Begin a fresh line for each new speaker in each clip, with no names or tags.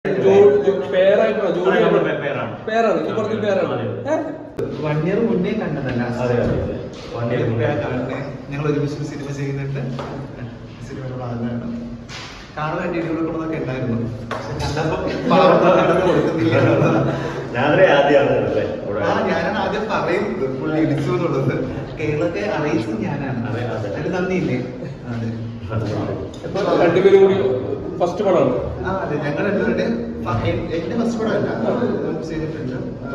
1 year മുന്നേ കണ്ടതല്ല. ഞങ്ങൾ ഒരുമിച്ച് സിനിമ ചെയ്യുന്നുണ്ട്. സിനിമയുടെ ഭാഗമാണ് കാണാൻ വേണ്ടി ഇടികൊടുക്കണമെന്നൊക്കെ ഉണ്ടായിരുന്നു. ഞാനാണ് ആദ്യം പറയുന്നത് പുള്ളി ഇടിച്ചു എന്നുള്ളത്. കേരളത്തെ അറിയിച്ചത് ഞാനാണ്. അതിന് നന്ദിയില്ലേ?
രണ്ടുപേരും കൂടി ഫസ്റ്റ് പടമാണ്.
അതെ, ഞങ്ങൾ രണ്ടുപേരുടെയും എന്റെ ഫസ്റ്റ് പടമല്ല ചെയ്തിട്ടുണ്ട്.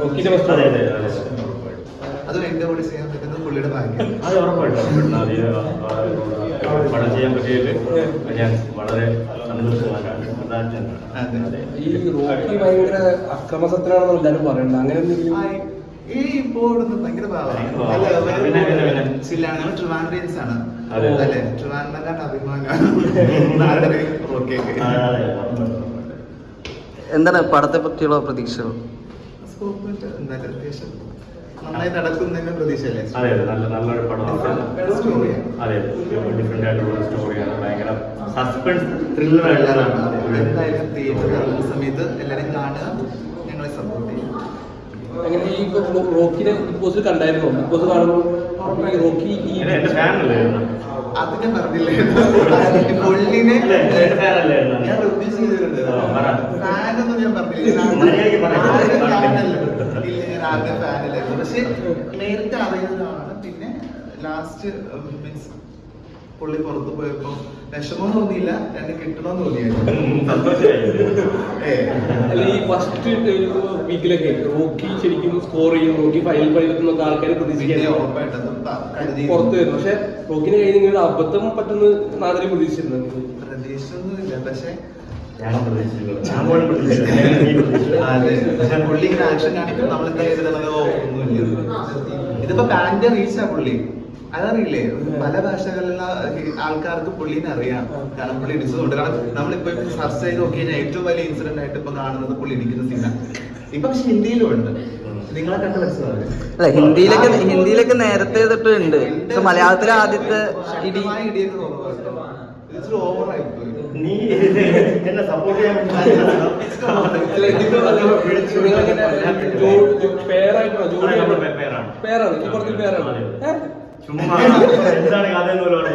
അതും എന്റെ കൂടി ചെയ്യാൻ പറ്റുന്നത് പുള്ളിയുടെ ഭാഗ്യം.
അത് ഉറപ്പായിട്ടും പടം ചെയ്യാൻ പറ്റിയതിൽ ഞാൻ വളരെ സന്തോഷവാനാണ്.
ഈ റോക്കി ഭയങ്കര അക്രമസത്തിനാണെന്ന് എല്ലാവരും പറയുന്നത്. അങ്ങനെ എന്തെങ്കിലും
ഇപ്പോ ഭയങ്കര ചില്ലാണ്. ഞങ്ങൾ ട്രിവാൻഡ്രിയൻസ് ആണ് അല്ലെ? ട്രിവാൻഡ്രം അഭിമാനമാണ്.
എന്താണ് പടത്തെ പറ്റിയുള്ള പ്രതീക്ഷകൾ?
അത്യാവശ്യം നന്നായി നടക്കുന്നതിന് പ്രതീക്ഷയല്ലേ?
അതെ അതെ, നല്ലൊരു പടമാണ്. അതെ, ഡിഫറെന്റ് ആയിട്ടുള്ള സ്റ്റോറിയാണ്. ഭയങ്കര സസ്പെൻസ് ത്രില്ലർ ആയിട്ടാണ്.
എന്തായാലും തിയേറ്ററിൽ ഇറങ്ങുന്ന സമയത്ത് എല്ലാവരും കാണുക, ഞങ്ങളെ സപ്പോർട്ട് ചെയ്യുക.
അങ്ങനെ ഈ റോക്കിനെ ബിഗ് ബോസിൽ കണ്ടായിരുന്നു. ബിഗ് ബോസ് കാണുമ്പോൾ റോക്കി
എന്റെ ഫാനല്ലേ?
അത് ഞാൻ പറഞ്ഞില്ലേ, പുള്ളിനെ ഞാൻ റിവ്യൂ ചെയ്തിട്ടുണ്ട്. ഫാനൊന്നും ഞാൻ പറഞ്ഞില്ല. ഞാൻ ആദ്യം ഫാനിലായിരുന്നു. പക്ഷെ നേരത്തെ അറിയുന്നതാണ്. പിന്നെ ലാസ്റ്റ് മീൻസ് പുള്ളി പുറത്ത് പോയപ്പോ വിഷമം തോന്നിയില്ല, രണ്ട് കിട്ടണമെന്ന് തോന്നിയായിരുന്നു.
ഈ ഫസ്റ്റ് വീക്കിലൊക്കെ റോക്കി ശരിക്കും സ്കോർ ചെയ്യും, റോക്കി ഫൈനൽ ഫൈനലൊക്കെ ആൾക്കാർ പ്രതീക്ഷിക്കാൻ പുറത്ത് വരുന്നു. പക്ഷെ റോക്കിന്റെ കയ്യിൽ നിന്ന് അബദ്ധം പറ്റുന്ന നാട്ടിൽ പ്രതീക്ഷിച്ചിരുന്നു.
പ്രതീക്ഷിച്ചൊന്നുമില്ല. പക്ഷെ പുള്ളി ഇങ്ങനെ ആക്ഷൻ കാണിക്കും, നമ്മളെന്താ ചെയ്തിട്ടുള്ളത്? ഒന്നുമില്ല. ഇതിപ്പോ പാന്റെ റീച്ചാ പുള്ളി, അതറിയില്ലേ? പല ഭാഷകളിലുള്ള ആൾക്കാർക്ക് പുള്ളിനെ അറിയാം. കാരണം പുള്ളി ഇടിച്ചതുകൊണ്ട്. കാരണം നമ്മളിപ്പോ സെർച്ച് ചെയ്ത് നോക്കി കഴിഞ്ഞാൽ ഏറ്റവും വലിയ ഇൻസിഡന്റ് ആയിട്ട് ഇപ്പൊ കാണുന്നത് പുള്ളി ഇടിക്കുന്ന സീനാണ്. ഇപ്പൊ പക്ഷെ ഹിന്ദിയിലും ഉണ്ട്. നിങ്ങളെ കണ്ട മനസ്സിലാവില്ല.
ഹിന്ദിയിലൊക്കെ നേരത്തെ തൊട്ടുണ്ട്. മലയാളത്തിലെ ആദ്യത്തെ
ഇടിയൊക്കെ തോന്നുന്നു ഓവറായി പോയി.
നീ എന്നെ സപ്പോർട്ട് ചെയ്യാൻ ചുമ്മാ എന്താണ് കഥയെന്ന് പോലും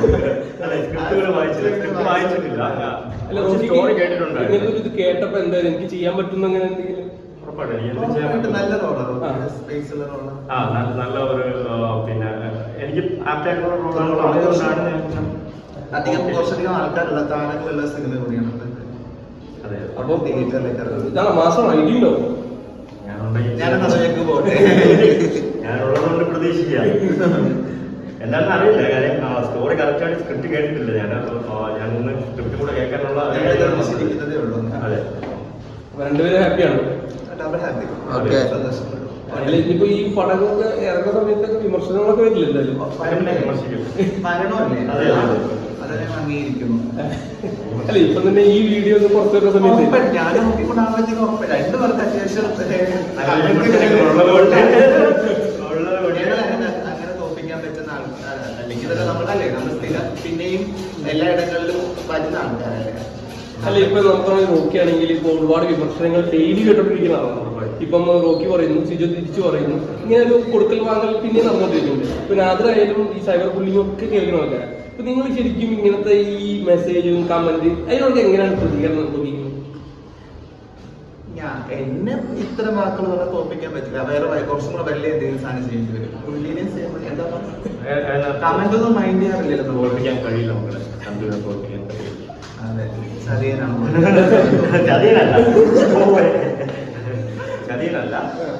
ഇത് കേട്ടപ്പോ എന്തായാലും എനിക്ക് ചെയ്യാൻ പറ്റുന്ന അങ്ങനെ എന്തെങ്കിലും
നല്ല ഒരു പിന്നെ എനിക്ക് ആപ്റ്റായിട്ടുള്ള റോളാണ്.
കുറച്ചധികം ആൾക്കാരുള്ള താരങ്ങളുള്ള സിനിമ കൂടിയാണ്.
അപ്പൊ മാസം ഐഡിയുണ്ടോ?
ഞാനതിലേക്ക് പോട്ടെ.
ഞാനുള്ളതുകൊണ്ട് പ്രതീക്ഷിക്കാം. എന്താണെന്ന് അറിയില്ല. കാര്യം സ്റ്റോറി കറക്റ്റായിട്ട് സ്ക്രിപ്റ്റ് കേട്ടിട്ടില്ല. ഞാനൊന്ന് സ്ക്രിപ്റ്റ് കൂടെ കേൾക്കാനുള്ള
ശരിക്കുന്നതേ ഉള്ളൂ.
അതെ,
രണ്ടുപേരും ഹാപ്പിയാണ്. ഇനിയിപ്പോ ഈ പടങ്ങളൊക്കെ ഇറങ്ങുന്ന സമയത്തൊക്കെ വിമർശനങ്ങളൊക്കെ വരില്ല എന്തായാലും.
അതെ, അംഗീകരിക്കുന്നു.
അല്ല
ഇപ്പൊ തന്നെ ഈ വീഡിയോ ഒക്കെ പുറത്തു വരുന്ന സമയത്ത്
ഞാൻ നോക്കിക്കൊണ്ടാകുമ്പോഴത്തേക്കും രണ്ടു പേർക്ക് അത്യാവശ്യം അങ്ങനെ തോപ്പിക്കാൻ പറ്റുന്ന ആൾക്കാർ അല്ലെങ്കിൽ ഇതൊക്കെ നമ്മളല്ലേ, നമ്മൾ സ്ഥിരം പിന്നെയും എല്ലായിടങ്ങളിലും വരുന്ന ആൾക്കാരല്ലേ.
അല്ല ഇപ്പൊ നമുക്ക് നോക്കിയാണെങ്കിൽ ഇപ്പൊ ഒരുപാട് വിമർശനങ്ങൾ ഡെയിലി കേട്ടോണ്ടിരിക്കുന്നതാണ്. ഇപ്പം റോക്കി പറയുന്നു, സിജോ തിരിച്ചു പറയുന്നു, ഇങ്ങനെ ഒരു കൊടുക്കൽ വാങ്ങൽ പിന്നെ നടന്നുകൊണ്ടിരിക്കുന്നുണ്ട്. ഇപ്പൊ നാദരായാലും ഈ സൈബർ ബുള്ളിങ്ങും ഒക്കെ കേൾക്കുന്ന ആൾക്കാരാണ്. അപ്പൊ നിങ്ങൾ ശരിക്കും ഇങ്ങനത്തെ ഈ മെസ്സേജും കമന്റ് അതിനോട് എങ്ങനെയാണ് പ്രതികരണം തോന്നിക്കുന്നത്?
എന്നെ ഇത്തരം വാക്കുകൾ പറഞ്ഞാൽ തോപ്പിക്കാൻ പറ്റില്ല. വേറെ കുറച്ചും കൂടെ വലിയ എന്തെങ്കിലും സാധനം ചെയ്യേണ്ടി വരും. പുള്ളിനെ എന്താ കമന്റ് ഒന്നും മൈൻഡ് ചെയ്യാറില്ലല്ലോ.
തോൽപ്പിക്കാൻ കഴിയില്ല നമ്മളെ.
അതെ, ചതിയനാണ്.
ചതിയനല്ല,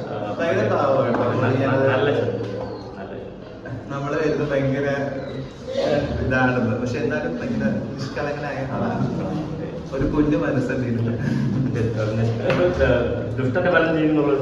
നമ്മള് വരുന്നത് ഭയങ്കര ഇതാണെന്ന്. പക്ഷെ എന്തായാലും ഭയങ്കര നിഷ്കളങ്കനായ ആളാണ്. ഒരു കുഞ്ഞു മനസ്സല്ലേ.
ദുഷ്ടന്റെ ഫലം ചെയ്യുന്നുള്ളത്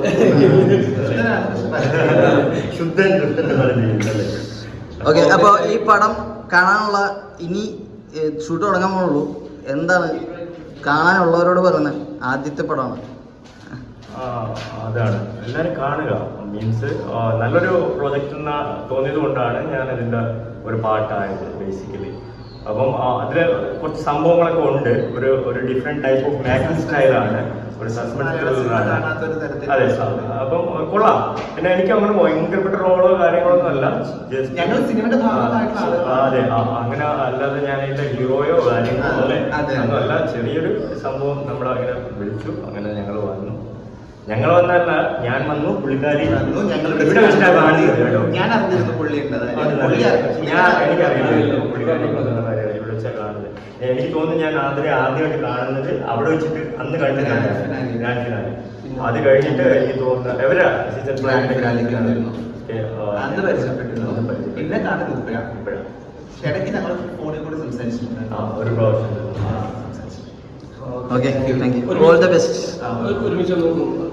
ശുദ്ധൻ ദുഷ്ടന്റെ ഫലം ചെയ്യുന്നല്ലേ.
ഓക്കെ, അപ്പൊ ഈ പടം കാണാനുള്ള ഇനി ഷൂട്ട് തുടങ്ങാൻ പോകുള്ളൂ. എന്താണ് കാണാനുള്ളവരോട് പറയുന്നത്? ആദ്യത്തെ പടമാണ്.
അതാണ്, എല്ലാവരും കാണുക. മീൻസ് നല്ലൊരു പ്രൊജക്റ്റ് തോന്നിയത് കൊണ്ടാണ് ഞാൻ അതിൻ്റെ ഒരു പാർട്ടായത്. ബേസിക്കലി അപ്പം അതില് കുറച്ച് സംഭവങ്ങളൊക്കെ ഉണ്ട്. ഒരു ഡിഫറെന്റ് ടൈപ്പ് ഓഫ് മാജിക് സ്റ്റൈലാണ്, ഒരു സസ്പെൻസ് ത്രില്ലറാണ്. അതെ, അപ്പം കൊള്ളാം. പിന്നെ എനിക്ക് അങ്ങനെ ഭയങ്കരപ്പെട്ട റോളോ കാര്യങ്ങളൊന്നും അല്ല,
ഞങ്ങൾ സിനിമയുടെ ഭാഗമായിട്ടുള്ള
അതെ, അങ്ങനെ അല്ലാതെ ഞാൻ ഇതിന്റെ ഹീറോയോ കാര്യങ്ങളോ അല്ലേ ഒന്നുമല്ല. ചെറിയൊരു സംഭവം നമ്മളങ്ങനെ വിളിച്ചു, അങ്ങനെ ഞങ്ങൾ വന്നു. ഞങ്ങൾ വന്നല്ല, ഞാൻ വന്നു, പുള്ളിക്കാരി
വന്നു. ഞങ്ങൾ
ഇവിടെ വെച്ചിട്ടാണ് കാണുന്നത് കേട്ടോ.
ഞാൻ അറിഞ്ഞിരുന്നു പുള്ളി
എനിക്കറിയില്ല പുള്ളിക്കാരി ഇവിടെ വെച്ചാണ് കാണുന്നത്. എനിക്ക് തോന്നുന്നു ഞാൻ ആദ്യമായിട്ട് കാണുന്നത് അവിടെ വെച്ചിട്ട് അന്ന് കണ്ടിട്ടാണ് ഗ്രാൻഡ് ഫിനാലെ. അത് കഴിഞ്ഞിട്ട് എനിക്ക് തോന്നുന്നത് എവരാ സീസൺ
അന്ന് പരിചയപ്പെട്ടിരുന്നു. പിന്നെ കാണുന്നത് ഇപ്പോഴാണ്. ഇടയ്ക്ക് ഞങ്ങൾ ഫോണിൽ കൂടി സംസാരിച്ചിട്ടുണ്ട്.
ഒരു പ്രാവശ്യം.
Okay, thank you, all the best.
ഒരുമിച്ച്